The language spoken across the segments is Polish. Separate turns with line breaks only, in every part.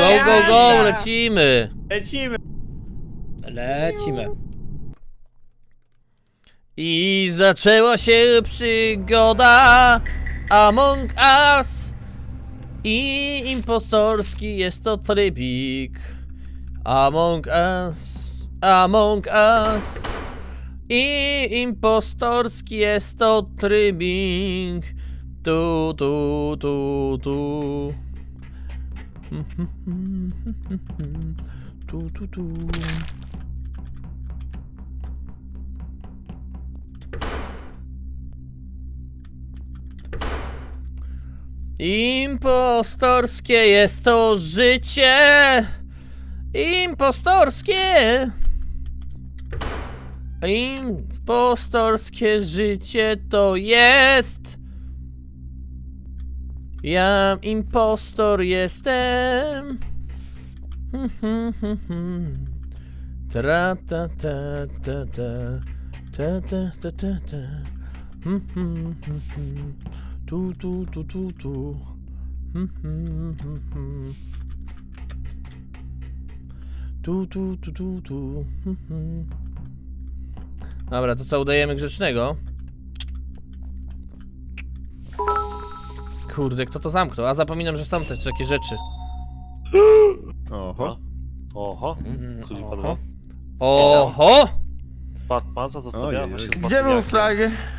go, lecimy.
Lecimy.
I zaczęła się przygoda Among Us. I impostorski jest to trybik. Among Us, Among Us. I impostorski jest to trybik. Tu. Tu. Impostorskie jest to życie. Impostorskie. Impostorskie życie to jest. Ja impostor jestem. Tra ta ta ta ta ta ta ta ta ta. Tu. Tu. Dobra, to co, udajemy grzecznego? Kurde, kto to zamknął? A zapominam, że są też takie rzeczy.
Oho. Tu nie padło.
Oho!
Maza zostawiała się z
Gdzie był flag?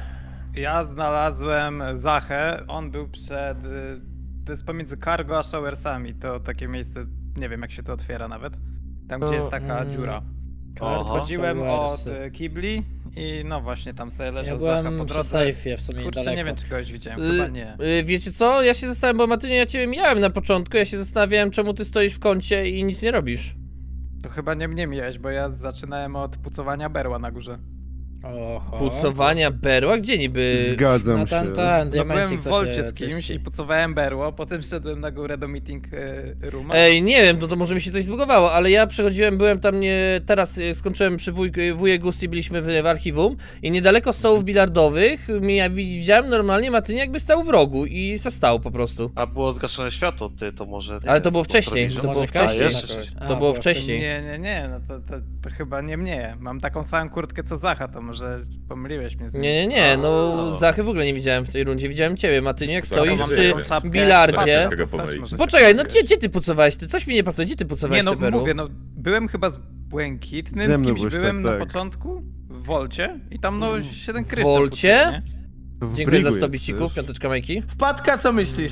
Ja znalazłem Zachę, on był przed... To jest pomiędzy Cargo a Showersami, to takie miejsce, nie wiem jak się to otwiera nawet. Tam gdzie jest taka dziura. Odchodziłem od kibli i no właśnie tam sobie leżał Zacha po
byłem przy
drodze.
sejfie w sumie
Kurczę,
niedaleko.
nie wiem czy kogoś widziałem, chyba nie.
Wiecie co? Ja się zastanawiam, bo Matyniu, ja ciebie mijałem na początku, ja się zastanawiałem, czemu ty stoisz w kącie i nic nie robisz.
To chyba nie mnie mijałeś, bo ja zaczynałem od pucowania berła na górze.
Oho.
Pucowania berła? Gdzie niby?
Zgadzam
No
się.
ten,
No byłem
diamencik
w
co
wolcie
się
z kimś
czyści.
i pucowałem berło, potem szedłem na górę do meeting rooma.
Ej, nie wiem, to może mi się coś zbugowało, ale ja przechodziłem, byłem tam teraz skończyłem przy wujek Gusti, byliśmy w archiwum i niedaleko stołów bilardowych widziałem normalnie Matynię jakby stał w rogu i zastał po prostu.
A było zgaszone światło, ty to może...
Ale to było wcześniej,
postanowisz,
to
że-
było
Może
wcześniej.
Kasia
jeszcze
jakoś.
To było wcześniej.
Nie, no to chyba nie mnie. Mam taką samą kurtkę co Zacha, to może pomyliłeś mnie z nim.
Nie, no Zachy w ogóle nie widziałem w tej rundzie, widziałem ciebie Matyniu, jak stoisz
mam
przy
taką czapkę,
bilardzie.
też może-
Poczekaj, no gdzie ty pucowałeś? Ty coś mi nie pasuje, gdzie ty pucowałeś
Nie no,
te berło?
mówię, no byłem chyba z Błękitnym,
Ze
z
mną
kimś
byłeś,
byłem
tak,
na
tak.
początku w Wolcie i tam no 7 kryształ.
Wolcie?
pucuje, nie?
Dziękuję za 100 bicików, piąteczka Majki.
Wpadka, co myślisz?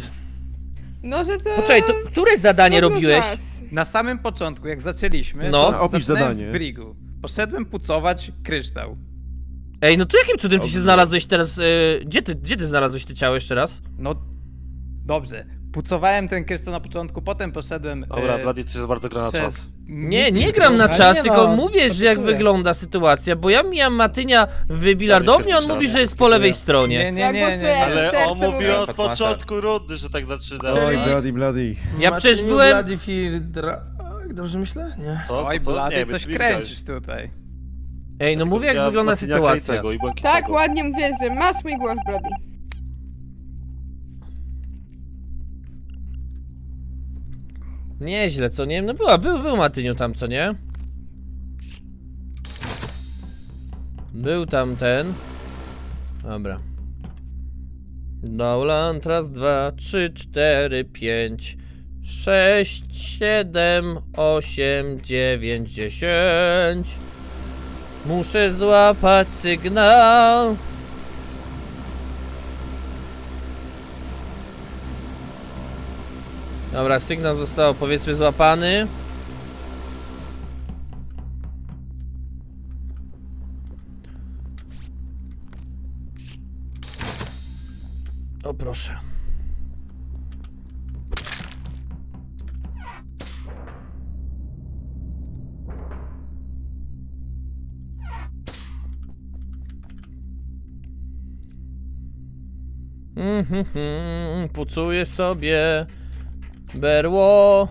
No, że to...
Poczekaj, to które zadanie
Każdy z
robiłeś?
was.
Na samym początku, jak zaczęliśmy,
No.
to
Opisz
zaczynałem
zadanie.
w Brigu. Poszedłem pucować kryształ.
Ej, no to jakim cudem ty się
Dobrze.
znalazłeś teraz, gdzie ty znalazłeś te ciało jeszcze raz?
No, dobrze. Pucowałem ten kryształ na początku, potem poszedłem...
Dobra, Blady coś bardzo gra na
przed
czas.
Nie gram na
Ale
czas,
nie
tylko
no,
mówię, że jak
podpytuję.
wygląda sytuacja, bo ja mijam Matynia w bilardowni, on
Dobra,
mówi,
się
że jest po lewej
Nie,
stronie.
nie.
Ale
Serce
on mówił
mówi.
od początku rundy, że tak zaczyna.
Oj, bloody.
Ja przecież byłem...
Dobrze myślę? Nie.
Co?
Oj,
Co?
Blady,
Nie,
coś
nie
kręcisz tutaj.
Ej, no mówię, jak wygląda sytuacja.
Tak, ładnie mówię, że masz mój głos, Brady.
Nieźle, co nie? No był Matyniu tam, co nie? Był tam ten. Dobra. Downland, raz, 2, 3, 4, 5, 6, 7, 8, 9, 10. Muszę złapać sygnał. Dobra, sygnał został powiedzmy złapany. O proszę. Pucuję sobie berło.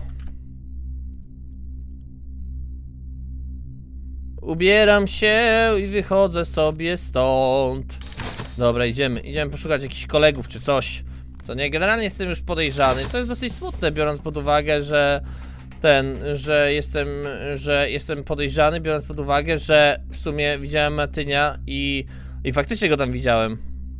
Ubieram się i wychodzę sobie stąd. Dobra, idziemy poszukać jakichś kolegów czy coś. Co nie, generalnie jestem już podejrzany, co jest dosyć smutne, biorąc pod uwagę, że że jestem podejrzany, biorąc pod uwagę, że w sumie widziałem Matynia i faktycznie go tam widziałem.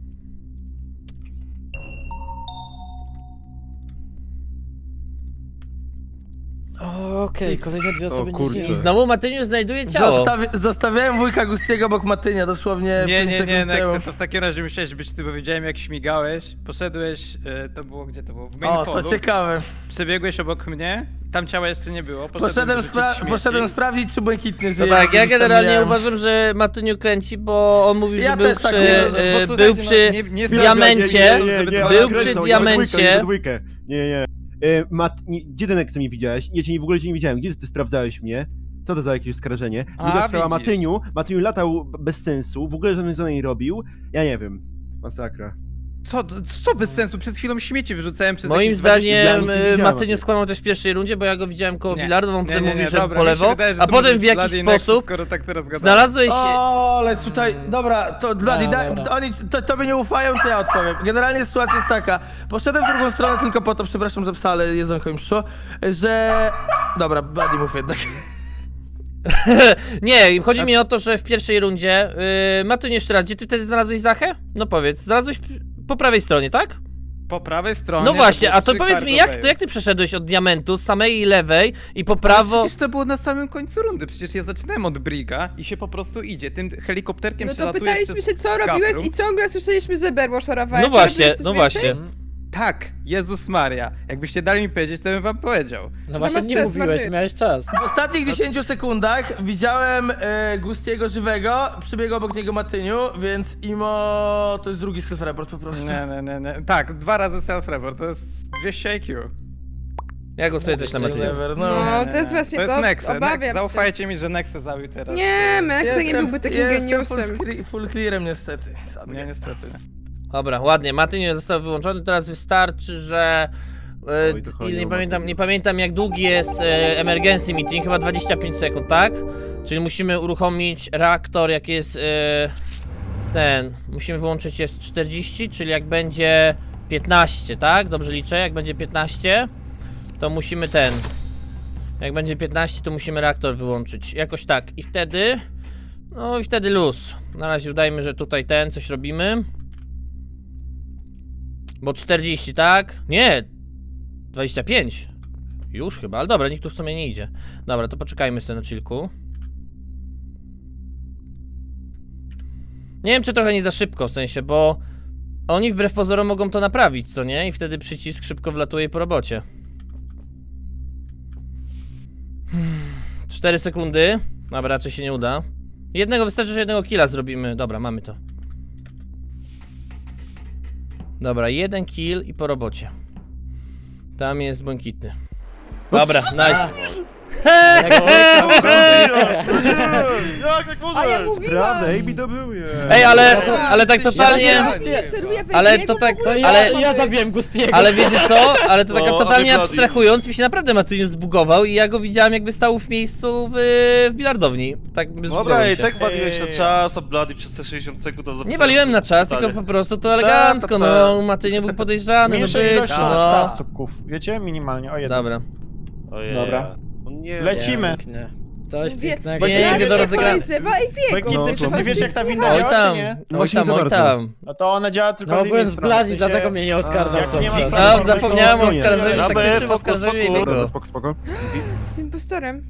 Okej, kolejne dwie osoby nie
kurczę.
żyją.
I znowu Matyniu znajduje ciało.
Zostawiałem wujka Gustiego obok Matynia, dosłownie
Nie,
5
nie,
sekund
nie,
temu.
Nexe, to w takim razie musiałeś być ty, bo widziałem jak śmigałeś, poszedłeś, to było, gdzie to było? W main
O, to
hallu,
ciekawe.
przebiegłeś obok mnie, tam ciała jeszcze nie było, poszedłem
Poszedłem sprawdzić, czy błękitny
No
żyje.
tak, ja
gdzieś tam
generalnie
miałem.
uważam, że Matyniu kręci, bo on mówił,
Ja
że był
też tak
przy,
uważam,
był przy diamencie, był przy diamencie.
Nie. Gdzie ten Nexe mnie widziałeś? Ja cię w ogóle cię nie widziałem. Gdzie ty sprawdzałeś mnie? Co to za jakieś oskarżenie? Druga sprawa,
widzisz.
Matyniu latał bez sensu, w ogóle żadnych zadań nie robił. Ja nie wiem. Masakra.
Co bez sensu? Przed chwilą śmieci wyrzucałem przez
Moim
jakieś 20
zdaniem
nic nie widziałem.
Matyniu skłamał też w pierwszej rundzie, bo ja go widziałem koło
Nie.
bilardu, on potem mówił, że
dobra,
po
mi się
lewo,
wydaje, że
a
to
potem
może
w
być
jakiś
Bloody Nexus,
sposób
skoro tak teraz gadamy.
znalazłeś się...
O, ale tutaj, dobra, to Bloody,
dobra.
oni tobie nie ufają, to ja odpowiem. Generalnie sytuacja jest taka, poszedłem w drugą stronę tylko po to, przepraszam za psa, ale jedzonko im przyszło, że... Dobra, Bloody mów jednak.
Nie, chodzi mi o to, że w pierwszej rundzie Matyniu jeszcze raz, gdzie ty wtedy znalazłeś Zachę? No powiedz, znalazłeś po prawej stronie, tak?
Po prawej stronie...
No właśnie,
było
a to
przy
powiedz mi,
Cargo Bay.
jak ty przeszedłeś od diamentu z samej lewej i po
Ale
prawo...
przecież to było na samym końcu rundy, przecież ja zaczynałem od Briga i się po prostu idzie, tym helikopterkiem
No to
przelatuje
pytaliśmy
przez
się, co robiłeś
gaprum.
i ciągle słyszeliśmy, że berło szorowałeś.
No właśnie,
Robiłeś coś
no
więcej?
właśnie.
Tak, Jezus Maria. Jakbyście dali mi powiedzieć, to bym wam powiedział.
No właśnie
masz
nie
czas,
mówiłeś,
Marty.
miałeś czas.
W ostatnich 10 sekundach widziałem Gustiego żywego, przybiegł obok niego Matyniu, więc Imo to jest drugi self-report po prostu.
Nie. Tak, 2 razy self-report, to jest 200 IQ.
Ja głosuję też na Matyniu.
Never,
No, to jest właśnie
To jest Nexe.
obawiam się.
Zaufajcie mi, że Nexe zabił teraz.
Nie, Nexe nie byłby takim
jestem
geniuszem.
full clearem niestety.
Nie, niestety.
Dobra, ładnie, Matyniu został wyłączony, teraz wystarczy, że...
Oj, to chodzi
ile
o
nie
Matyniu.
pamiętam jak długi jest emergency meeting, chyba 25 sekund, tak? Czyli musimy uruchomić reaktor, jak jest musimy wyłączyć jest 40, czyli jak będzie 15, tak? Dobrze liczę, jak będzie 15, to musimy jak będzie 15, to musimy reaktor wyłączyć, jakoś tak. I wtedy, no i wtedy luz. Na razie udajmy, że tutaj coś robimy. Bo 40, tak? Nie! 25. Już chyba, ale dobra, nikt tu w sumie nie idzie. Dobra, to poczekajmy sobie na chillku. Nie wiem, czy trochę nie za szybko, w sensie, bo oni wbrew pozorom mogą to naprawić, co nie? I wtedy przycisk szybko wlatuje po robocie. 4 sekundy. Dobra, raczej się nie uda. Wystarczy, że jednego killa zrobimy. Dobra, mamy to. Dobra, 1 kill i po robocie. Tam jest błękitny. Dobra, nice.
Jak tak
A ja
możesz?
mówiłam!
Prawda, AB to był.
Ej, ale tak totalnie...
Ja celuję w
Ale
Ebiego,
to tak,
w ogóle.
ale...
zabiłem Gustiego.
Ale wiecie co? Ale to tak
No,
totalnie
a wy
abstrahując, mi się naprawdę Matyniu zbugował i ja go widziałem jakby stał w miejscu w bilardowni. Tak by
Dobra,
zbugował
i
się.
tak waliłeś na czas, a Bloody przez te 60 sekund to
Nie waliłem na czas, tylko po prostu to elegancko, no Matyniu był podejrzany, no
Mniejszej
być,
ilości
no.
tastuków, wiecie? Minimalnie, o jeden.
Dobra.
Dobra.
Nie,
Lecimy.
Pięknie. Coś
Mówię,
pięknego.
Nie,
ja
nie do
się
rozegrania.
podejrzewa i biegł.
Błękitny, czy ty wiesz jak ta winda
Oj
działa,
tam,
czy nie?
oj
Właśnie
tam,
za
oj
bardzo.
tam.
No to ona działa tylko
No
z
byłem
innej
z
strony.
Bladzi,
w sensie-
dlatego mnie nie oskarżał.
jak nie ma
cały czas.
sprawy,
No, zapomniałem o
stronie.
oskarżeniu,
Dobra,
taktycznym
fokus,
oskarżeniu
fokus.
jego.
Spoko.
Z impostorem.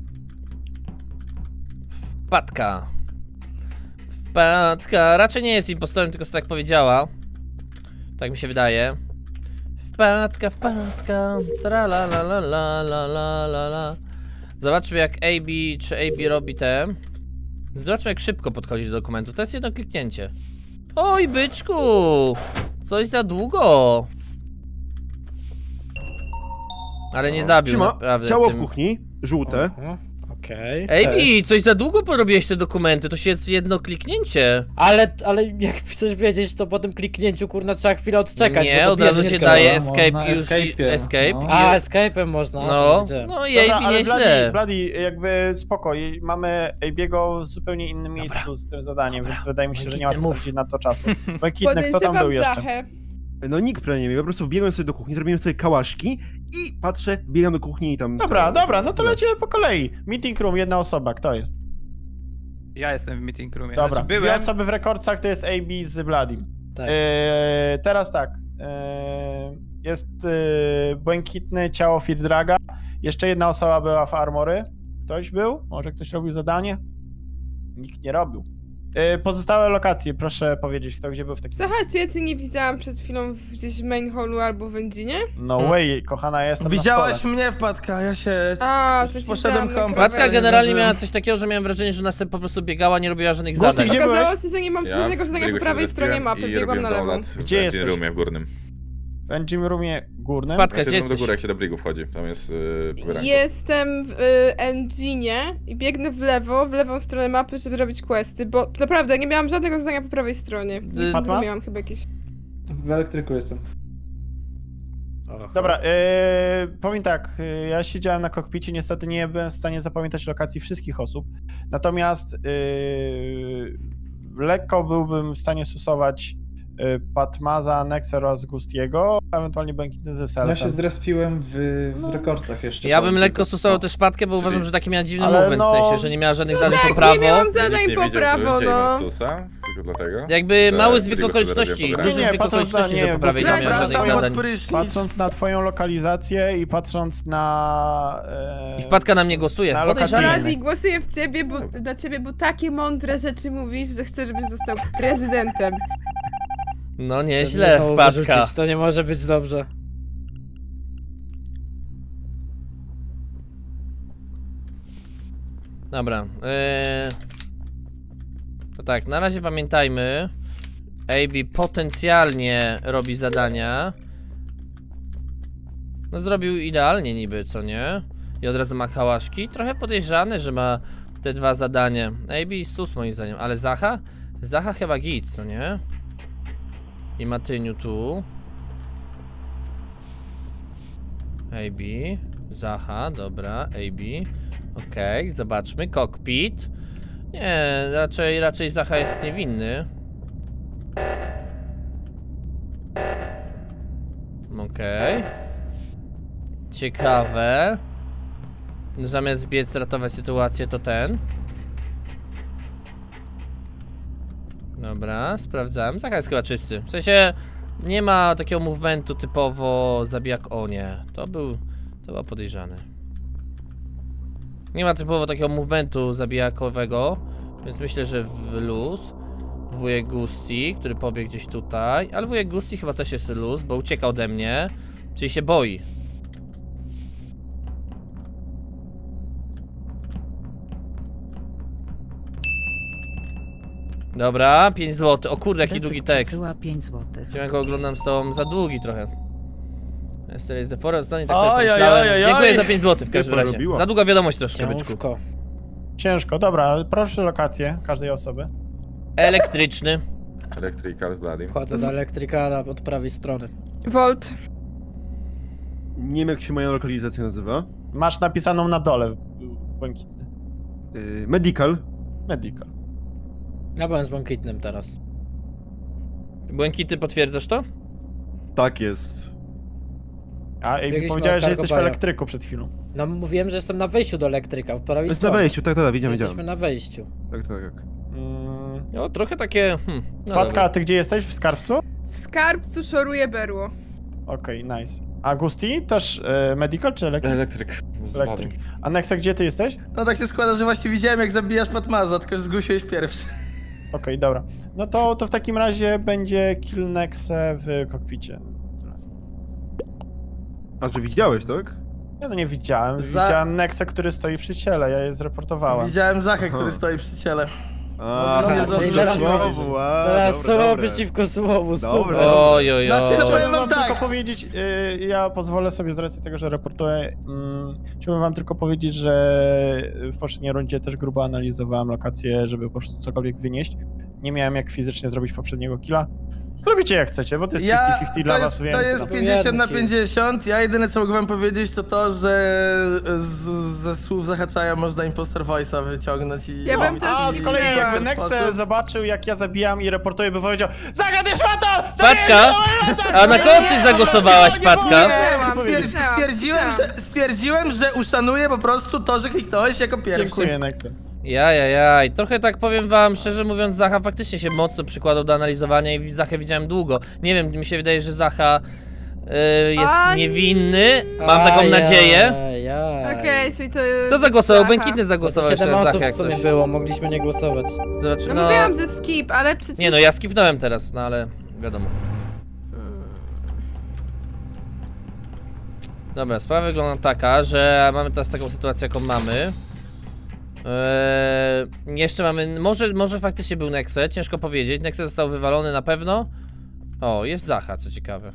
Wpadka. Wpadka. Raczej nie jest impostorem, tylko tak powiedziała. Tak mi się wydaje. Wpadka. Tra la la la la la la la la. Zobaczmy jak czy AB robi te. Zobaczmy jak szybko podchodzi do dokumentu. To jest jedno kliknięcie. Oj byczku! Coś za długo. Ale nie zabił
Trzyma,
naprawdę.
ciało w
tym.
kuchni, żółte.
Okej.
AB, coś za długo porobiłeś te dokumenty, to się jest jedno kliknięcie.
Ale jak chcesz wiedzieć, to po tym kliknięciu kurna trzeba chwilę odczekać.
Nie,
bo
od
to
razu
bierze
się
kilka
daje
lat.
escape i już escape.
A, escape'em można.
No,
to widziałem.
no i
Dobra,
AB
ale
nieźle.
Bloody, jakby spoko, mamy AB'ego w zupełnie innym miejscu z tym zadaniem, więc wydaje mi się, że nie ma co
Mów.
tracić na to czasu. Błękitny, kto tam był
Podejrzewam
jeszcze?
Zachę.
No nikt prawie nie wie, po prostu wbiegłem sobie do kuchni, zrobiłem sobie kałaszki i patrzę, biegam do kuchni i tam...
Dobra, no to lecimy po kolei. Meeting room, jedna osoba, kto jest?
Ja jestem w meeting roomie.
Dobra,
Znaczy,
dwie
byłem.
osoby w rekordcach to jest AB z Bladim.
Tak.
Teraz tak. Jest błękitne ciało Firdraga. Jeszcze jedna osoba była w Armory. Ktoś był? Może ktoś robił zadanie? Nikt nie robił. Pozostałe lokacje, proszę powiedzieć, kto gdzie był w takim...
Zacha, czy ja cię nie widziałam przed chwilą gdzieś w main hallu albo w Enginie?
No way, kochana, ja jestem na
Widziałaś
stole.
mnie, Wpadka, ja się...
A, to ci
Poszedłem
widziałam na
kąpać.
Wpadka
serwerze.
generalnie
zdążyłem.
miała coś takiego, że miałem wrażenie, że ona sobie po prostu biegała, nie robiła żadnych
Gusty,
zadań.
gdzie
Okazało
byłeś?
się, że nie mam żadnego zadania po prawej stronie mapy, biegłam na lewą.
Gdzie jesteś?
W roomie w górnym.
W engine roomie górnym.
Wpadka,
Ja
gdzie
się do
jesteś?
góry, jak się do brigów wchodzi. Tam jest poranko.
Jestem w Enginie i biegnę w lewą stronę mapy, żeby robić questy, bo naprawdę nie miałam żadnego zadania po prawej stronie. Nic
Fatmas?
nie miałam chyba jakieś.
W elektryku jestem.
Aha.
Dobra, powiem tak, ja siedziałem na kokpicie, niestety nie byłem w stanie zapamiętać lokacji wszystkich osób, natomiast lekko byłbym w stanie stosować Patmaza, Nexa oraz Gustiego, a ewentualnie Błękitny ze Selfem.
Ja się zrespiłem w rekordcach jeszcze.
Ja bym
powiem
lekko
tylko.
stosował też Wpadkę, bo
Czyli-
uważam, że taki miała dziwny
Ale
movement, w
no-
sensie, że nie miała żadnych zadań po
Tak,
prawo.
nie miałam
Nikt
zadań
nie
po
wiedział,
prawo,
że
no.
Susa, tylko dlatego.
Jakby
że
mały zbieg
Brigo sobie
okoliczności,
robił
duży
Nie,
zbieg
patrząc na-
okoliczności, że
nie,
po prawej nie
bo
miała żadnych
przepraszam,
zadań.
Patrząc na twoją lokalizację i patrząc na...
I Wpadka na mnie głosuje.
Na
Podejrzane.
lokacji.
Bladi, głosuję w ciebie, bo dla ciebie, bo takie mądre rzeczy mówisz, że chcę, żebyś został prezydentem.
No
Żeby
nieźle,
znowu
Wpadka.
wyrzucić, to nie może być dobrze.
Dobra. To tak, na razie pamiętajmy. AB potencjalnie robi zadania. No zrobił idealnie niby, co nie? I od razu ma kałaszki. Trochę podejrzany, że ma te dwa zadania. AB i sus moim zdaniem, ale Zacha? Zacha chyba git, co nie? I Matyniu tu. AB. Zacha, dobra, AB. Okej, zobaczmy. Cockpit. Nie, raczej Zacha jest niewinny. Okej. Ciekawe. Zamiast biec ratować sytuację, to ten. Dobra, sprawdzałem. Zacha jest chyba czysty. W sensie nie ma takiego movementu typowo zabijak. O nie, to był podejrzany. Nie ma typowo takiego movementu zabijakowego, więc myślę, że w luz. Wujek Gusti, który pobiegł gdzieś tutaj, ale wujek Gusti chyba też jest luz, bo ucieka ode mnie, czyli się boi. Dobra, 5 zł. O kurde, jaki długi tekst.
5 zł.
Ja go oglądam z tobą za długi trochę. Esther is the forest, tak sobie
Oj,
pomyślałem.
oj, oj,
Dziękuję
oj.
za 5 zł w każdym
Nie
razie.
porobiła.
Za długa wiadomość troszkę, byczku.
Ciężko.
Ciężko, dobra, proszę lokację każdej osoby.
Elektryczny.
Electrical z Bladim.
Wchodzę do elektrykala od prawej strony.
Volt.
Nie wiem, jak się moja lokalizacja nazywa.
Masz napisaną na dole, Błękitny.
Medical.
Medical.
Ja byłem z błękitnym teraz.
Błękity, potwierdzasz to?
Tak jest.
A i
Biegliśmy
powiedziałeś,
od
że jesteś w
Cargo
elektryku przed chwilą.
No mówiłem, że jestem na wejściu do elektryka, od prawej
Jest na
strony.
wejściu, tak, widziałem.
Jesteśmy na wejściu.
Tak.
No, trochę takie... No
Wpadka,
dobra.
a ty gdzie jesteś? W skarbcu?
W skarbcu szoruje berło.
Okej, nice. A Gusti? Też medical czy elektryk?
Elektryk z
Elektryk.
Bladim.
A Nexa, gdzie ty jesteś?
No tak się składa, że właśnie widziałem, jak zabijasz Patmaza, tylko że zgłosiłeś pierwszy.
Okej, dobra. No to w takim razie będzie kill Nexe w kokpicie.
A że widziałeś, tak?
Ja no nie widziałem. Widziałem Nexa, który stoi przy ciele, ja je zreportowałem.
Widziałem Zachę,
Aha.
który stoi przy ciele.
A,
No, nie
to
zdążyłem
teraz
powiedzieć.
słowo, a,
Teraz
dobra,
słowo
dobra.
przeciwko słowu,
Dobra.
super.
Oj, oj,
Znaczy,
oj.
no,
Chciałbym
wam
wam
tak.
tylko powiedzieć, ja pozwolę sobie z racji tego, że reportuję, chciałbym wam tylko powiedzieć, że w poprzedniej rundzie też grubo analizowałem lokację, żeby po prostu cokolwiek wynieść. Nie miałem jak fizycznie zrobić poprzedniego killa. Zrobicie jak chcecie, bo to jest 50-50 dla was, więc...
To jest
no.
50 na
Jedno
50. Ja jedyne co mogę wam powiedzieć to, że ze słów Zahaczaja można impostor voice'a wyciągnąć i...
Ja bym też
A z kolei
nie
jakby
wiem.
Nexe zobaczył, jak ja zabijam i reportuję, by powiedział: Zagadniesz to!
Patka! A na kogo ty zagłosowałaś, Patka?
Stwierdziłem, że uszanuję po prostu to, że kliknąłeś jako pierwszy.
Dziękuję, Nexe.
Jajajaj, trochę tak powiem wam, szczerze mówiąc, Zacha faktycznie się mocno przykładał do analizowania i Zachę widziałem długo. Nie wiem, mi się wydaje, że Zacha jest
Aj.
niewinny, mam taką nadzieję.
Okej, czyli to...
Kto zagłosował?
Zacha.
Błękitny zagłosował jeszcze
7
na
osób
Zachę, jak
w sumie
coś.
było, mogliśmy nie głosować.
Znaczy,
No
no...
mówiłam, że skip, ale przecież...
Nie no, ja skipnąłem teraz, no ale wiadomo. Dobra, sprawa wygląda taka, że mamy teraz taką sytuację, jaką mamy. Jeszcze mamy, może faktycznie był Nexe, ciężko powiedzieć. Nexe został wywalony na pewno. O, jest Zacha, co ciekawe.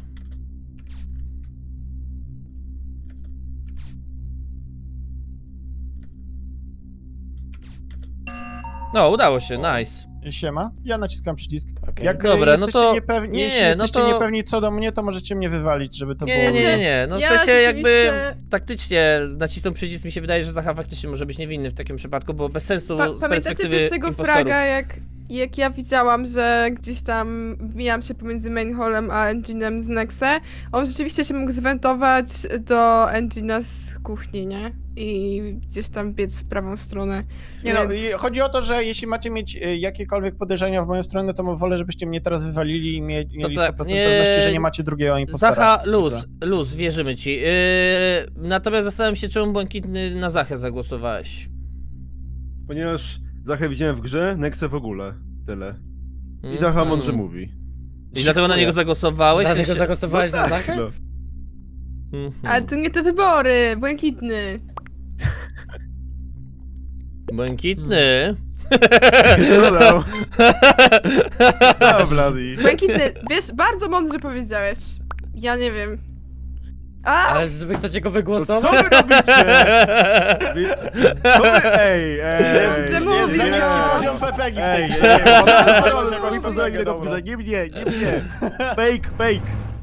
No, udało się, nice.
Siema, ja naciskam przycisk.
Okej.
Jak
Dobra, no
jesteście
to-
niepewni,
nie,
jeśli
no
jesteście
to-
niepewni co do mnie, to możecie mnie wywalić, żeby to było...
Nie, no w
Ja
sensie jakby
rzeczywiście-
taktycznie nacisnął przycisk, mi się wydaje, że Zacha faktycznie może być niewinny w takim przypadku, bo bez sensu z
Pamiętacie
perspektywy
pierwszego
impostorów.
fraga, jak ja widziałam, że gdzieś tam mijam się pomiędzy main hallem a engine'em z Nexe, on rzeczywiście się mógł zwentować do engine'a z kuchni, nie? I gdzieś tam biec w prawą stronę.
Nie no,
Więc-
i chodzi o to, że jeśli macie mieć jakiekolwiek podejrzenia w moją stronę, to wolę, żebyście mnie teraz wywalili i mieli
tak,
100%
nie-
pewności, że nie macie drugiego impostora.
Zacha, luz, wierzymy ci. Natomiast zastanawiam się, czemu Błękitny na Zachę zagłosowałeś.
Ponieważ Zachę widziałem w grze, Nexe w ogóle. Tyle. I Zacha mądrze mówi.
I dlatego na niego zagłosowałeś? W
Dlatego
sensie-
zagłosowałeś na Zachę?
No.
Ale to nie te wybory, Błękitny.
Błękitny.
Co dał? Co, Bloody?
Błękitny, wiesz, bardzo mądrze powiedziałeś. Ja nie wiem. A!
Ale żeby chcecie go
No
wygłosować?
co wy robicie? Co wy? Ej!
Że
Jest
mówi,
za
nie.
niski poziom PPG w tej
Ej,
grze.
nie pozwolę tego w grze, nie mnie, nie mnie! Fake!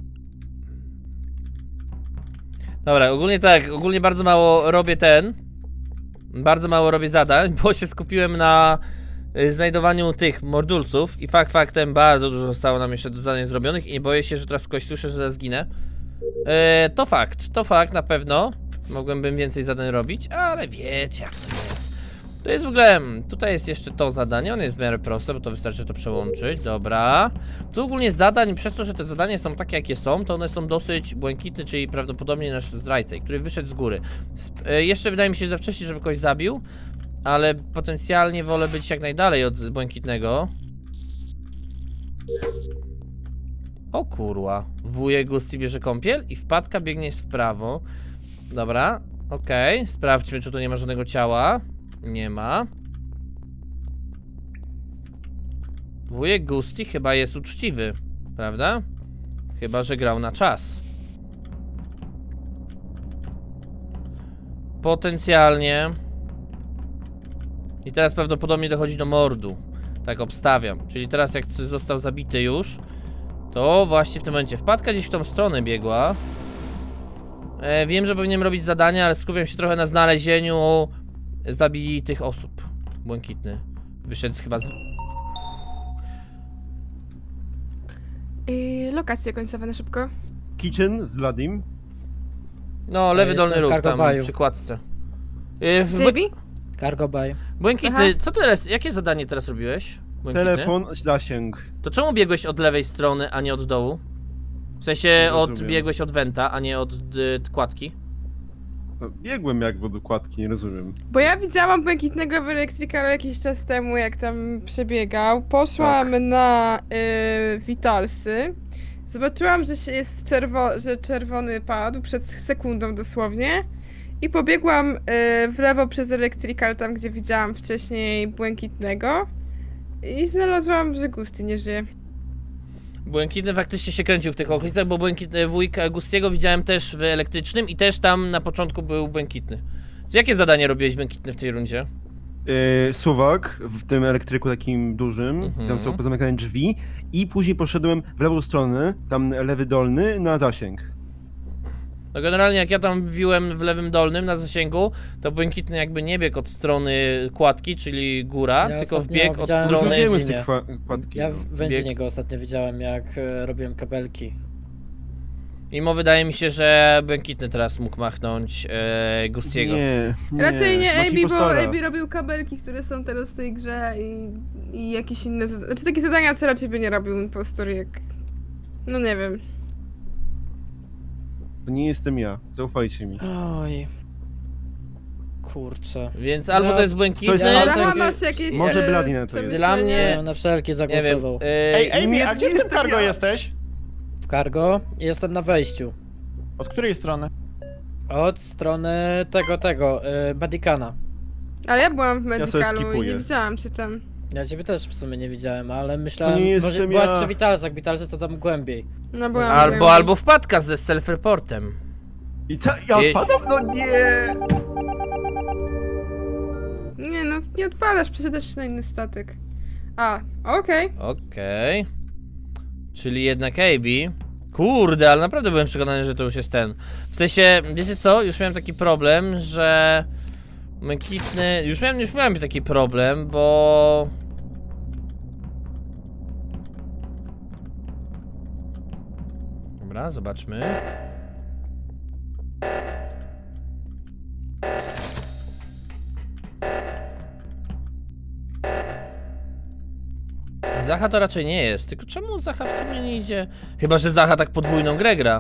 Dobra, ogólnie bardzo mało robię bardzo mało robię zadań, bo się skupiłem na znajdowaniu tych mordulców i faktem bardzo dużo zostało nam jeszcze do zadań zrobionych i nie boję się, że teraz kogoś słyszę, że zaraz zginę. To fakt na pewno. Mogłem więcej zadań robić, ale wiecie jak to jest. To jest w ogóle, tutaj jest jeszcze to zadanie, ono jest w miarę proste, bo to wystarczy to przełączyć, dobra. Tu ogólnie zadań, przez to, że te zadania są takie jakie są, to one są dosyć błękitne, czyli prawdopodobnie nasz zdrajca, który wyszedł z góry. Jeszcze wydaje mi się za wcześnie, żeby kogoś zabił, ale potencjalnie wolę być jak najdalej od błękitnego. O kurwa, wujek Gusti bierze kąpiel i wpadka biegnie w prawo. Dobra, okej, sprawdźmy, czy tu nie ma żadnego ciała. Nie ma. Wujek Gusti chyba jest uczciwy, prawda? Chyba że grał na czas. Potencjalnie. I teraz prawdopodobnie dochodzi do mordu. Tak obstawiam. Czyli teraz jak został zabity już, to właśnie w tym momencie wpadka gdzieś w tą stronę biegła. Wiem, że powinienem robić zadania, ale skupiam się trochę na znalezieniu zabitych osób. Błękitny wyszedł chyba z...
Lokacje końcowe na szybko.
Kitchen z Bloodim.
No, lewy
jestem
dolny
w
róg tam
Cargo
przy kładce.
JB?
Cargo Bay.
Błękitny,
Aha.
co teraz, jakie zadanie teraz robiłeś? Błękitny?
Telefon, zasięg.
To czemu biegłeś od lewej strony, a nie od dołu? W sensie
rozumiem.
biegłeś od wenta, a nie od kładki?
No, biegłem jakby do kładki, nie rozumiem.
Bo ja widziałam Błękitnego w Electricalu jakiś czas temu, jak tam przebiegał. Poszłam na Witalsy. Zobaczyłam, że się jest że czerwony padł przed sekundą dosłownie. I pobiegłam w lewo przez Electrical, tam gdzie widziałam wcześniej Błękitnego. I znalazłam, że Gusti nie żyje.
Błękitny faktycznie się kręcił w tych okolicach, bo wujka Gustiego widziałem też w elektrycznym i też tam na początku był Błękitny. Jakie zadanie robiłeś Błękitny w tej rundzie?
suwak w tym elektryku takim dużym, tam są pozamykane drzwi i później poszedłem w lewą stronę, tam lewy dolny, na zasięg.
No generalnie jak ja tam wbiłem w lewym dolnym na zasięgu, to Błękitny jakby nie biegł od strony kładki, czyli góra,
Ja
tylko
ostatnio
wbiegł od
widziałem,
strony...
że
Zrobiłem z tej
Wędzinie.
kładki.
Ja
no.
w Wędzinie go ostatnio widziałem, jak robiłem kabelki.
Imo wydaje mi się, że Błękitny teraz mógł machnąć Gustiego.
Nie,
Raczej nie
Maciej
AB, bo
Postora.
AB robił kabelki, które są teraz w tej grze i jakieś inne znaczy takie zadania, co raczej by nie robił impostor jak... No nie wiem.
To nie jestem ja, zaufajcie mi.
Oj. Kurczę.
Więc albo
No,
to jest Błękitny,
to jest-
Zacha, masz jakieś
Może Bloody na to jest.
przemyślenia?
Dla mnie-
Ja na wszelkie
nie wiem,
zagłosował.
Ej, Amy,
nie,
a
to
gdzie
nie
w tym
jestem
cargo
ja.
jesteś?
W cargo jestem na wejściu.
Od której strony?
Od strony tego, Medicana.
Ale ja byłam w
sobie
Medicalu i
skipuję.
nie widziałem cię tam.
Ja ciebie też w sumie nie widziałem, ale myślałem,
nie
może
jestem
byłaś
ja.
przy Witalsach, Witalsy to tam głębiej.
No byłam.
albo wpadka ze self-reportem.
I co? Ja
Jeśli-
odpadam? No nie!
Nie no, nie odpadasz, przesiadasz się na inny statek. A, okej.
Okej. Czyli jednak AB. Kurde, ale naprawdę byłem przekonany, że to już jest ten. W sensie, wiecie co? Już miałem taki problem, że... Błękitny... Już miałem taki problem, bo... Dobra, zobaczmy. Zacha to raczej nie jest, tylko czemu Zacha w sumie nie idzie? Chyba, że Zacha tak podwójną grę gra.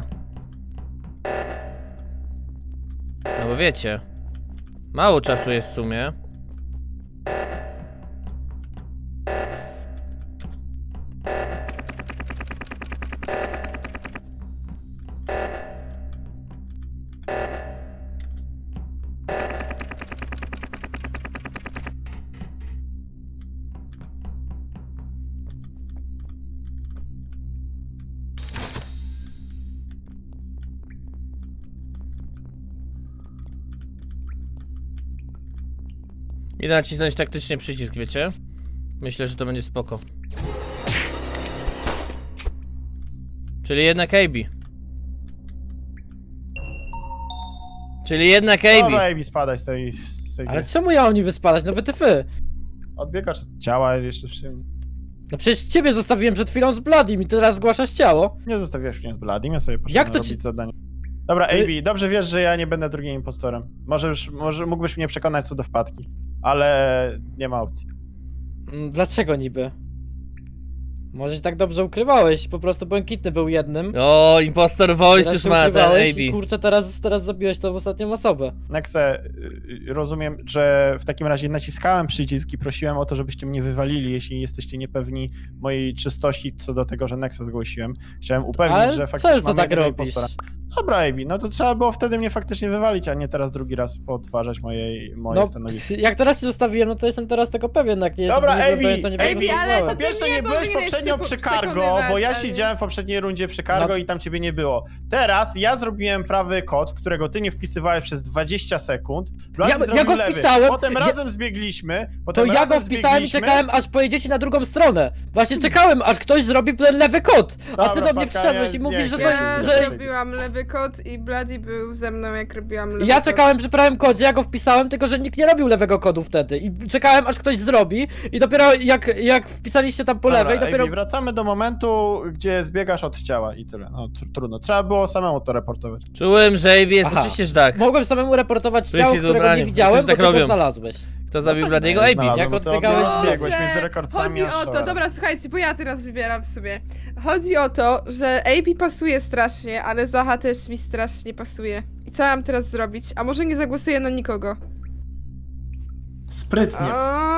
No bo wiecie, mało czasu jest w sumie. Idę nacisnąć taktycznie przycisk, wiecie? Myślę, że to będzie spoko. Czyli jednak AB. Czyli jednak
Dobra,
AB.
Amy, spadaj z tej
Ale
gry.
czemu ja mam niby spadać? No wytyfy.
Odbiegasz od ciała jeszcze przy mnie.
No przecież ciebie zostawiłem przed chwilą z Bloodym i teraz zgłaszasz ciało.
Nie zostawiasz mnie z Bladim, ja sobie poszedłem
Jak to
robić
ci-
zadanie. Dobra,
Ty-
AB, dobrze wiesz, że ja nie będę drugim impostorem. Może mógłbyś mnie przekonać co do wpadki, ale nie ma opcji.
Dlaczego niby? Może się tak dobrze ukrywałeś, po prostu Błękitny był jednym.
O, impostor voice
Teraz
już
się
ma ten
ukrywałeś i
AB.
kurczę, teraz zabiłeś tą ostatnią osobę.
Nexe, rozumiem, że w takim razie naciskałem przycisk i prosiłem o to, żebyście mnie wywalili, jeśli jesteście niepewni mojej czystości co do tego, że Nexe zgłosiłem. Chciałem upewnić,
Ale
że faktycznie
często
mam
tak
jednego
robisz.
impostora. Dobra, AB, no to trzeba było wtedy mnie faktycznie wywalić, a nie teraz drugi raz podważać moje
No,
stanowisko.
jak teraz się zostawiłem, no to jestem teraz tego pewien, jak nie
Dobra,
nie
Amy,
byłem, to nie
Amy,
będę
ale to
głosowałem.
ty
Po pierwsze,
mnie
nie byłeś
powinieneś
poprzednio przy Cargo, bo ja
przekonywać,
siedziałem w poprzedniej rundzie przy Cargo
No.
i tam ciebie nie było. Teraz ja zrobiłem prawy kod, którego ty nie wpisywałeś przez 20 sekund. Blady
Ja
zrobił
go
lewy.
wpisałem,
Potem
ja-
razem zbiegliśmy.
To
Potem
ja
razem
go wpisałem i
zbiegliśmy.
czekałem, aż pojedziecie na drugą stronę. Właśnie czekałem, aż ktoś zrobi ten lewy kod. A ty
Dobra,
do mnie
Fatka,
przyszedłeś
ja
i mówisz,
nie
że
chcę.
to...
Ja
Że...
zrobiłam lewy kod i Bloody był ze mną jak robiłam lewy
Ja
kod.
czekałem przy prawym kodzie, ja go wpisałem, tylko że nikt nie robił lewego kodu wtedy. I czekałem, aż ktoś zrobi. I dopiero jak wpisaliście tam po
Dobra,
lewej, dopiero...
Amy, wracamy do momentu, gdzie zbiegasz od ciała i tyle. No trudno. Trzeba było samemu to reportować.
Czułem, że AB jest
Aha.
oczywiście, że tak.
Mogłem samemu reportować
Wszyscy
ciało,
z
którego
ubraniem.
nie widziałem,
Wszyscy tak
bo ty go
robią.
znalazłeś.
Kto zabił
tak,
Bladiego?
Nie
AB.
znalazłem,
Jak
bo ty
odbiegałeś z
biegłeś
Boże,
między rekordcami
Chodzi
a
o to,
Showerem.
dobra, słuchajcie, bo ja teraz wybieram w sobie. Chodzi o to, że AB pasuje strasznie, ale Zacha też mi strasznie pasuje. I co mam teraz zrobić? A może nie zagłosuję na nikogo?
Sprytnie.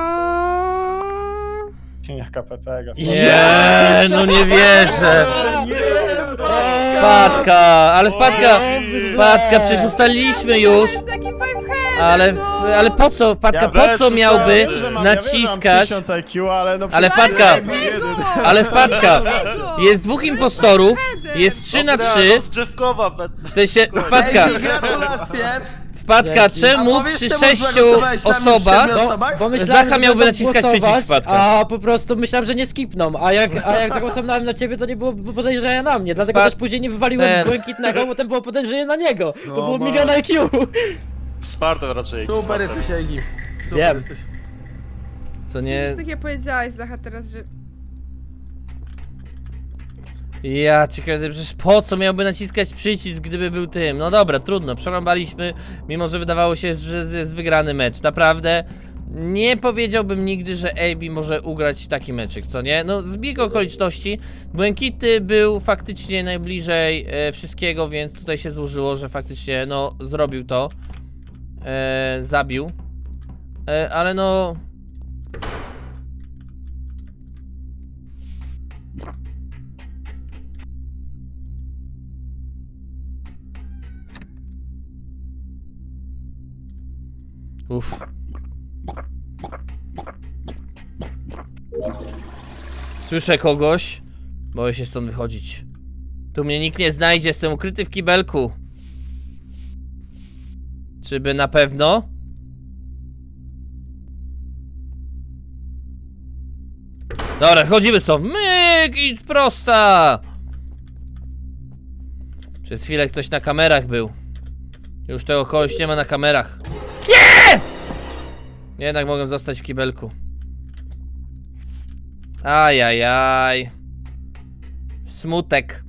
Cieniach KPP.
Nie, no nie wierzę. Wpadka, ale wpadka, przecież ustaliliśmy już.
To jest taki five
Ale po co, wpadka, po co miałby naciskać? Ale wpadka, ale wpadka, jest dwóch impostorów, jest 3 na 3,
Drzewkowa,
w sensie, wpadka,
Gratulacje.
Wpadka,
Dzięki.
czemu
A powiesz,
przy
czemu
6
zagłosowałeś na mnie w
osobach
7 osobach?
Bo myślałem,
Zacha
że
miałby
będą
naciskać
głosować,
przycisk Wpadka.
a po prostu myślałem, że nie skipną, a jak zagłosowałem na ciebie, to nie było podejrzenia na mnie, dlatego
Wpad-
też później nie wywaliłem
ten.
Błękitnego, bo ten było podejrzenie na niego. To
No,
było
ma-
milion IQ.
Smartem raczej.
Super
smartem.
jesteś, Egi. Super
Wiem.
jesteś.
Co
Nie...
nie...
Coś takiego powiedziałeś, Zacha, teraz, że...
Ja ciekawe, przecież po co miałby naciskać przycisk, gdyby był tym? No dobra, trudno, przerąbaliśmy, mimo że wydawało się, że jest wygrany mecz. Naprawdę nie powiedziałbym nigdy, że AB może ugrać taki meczyk, co nie? No zbieg okoliczności, Błękity był faktycznie najbliżej wszystkiego, więc tutaj się złożyło, że faktycznie no zrobił to, zabił, ale no... Uff. Słyszę kogoś. Boję się stąd wychodzić. Tu mnie nikt nie znajdzie, jestem ukryty w kibelku. Czyby na pewno? Dobra, chodzimy stąd. Myk i prosta. Przez chwilę ktoś na kamerach był. Już tego kogoś nie ma na kamerach. Nie! Jednak mogę zostać w kibelku. Ajajaj. Smutek.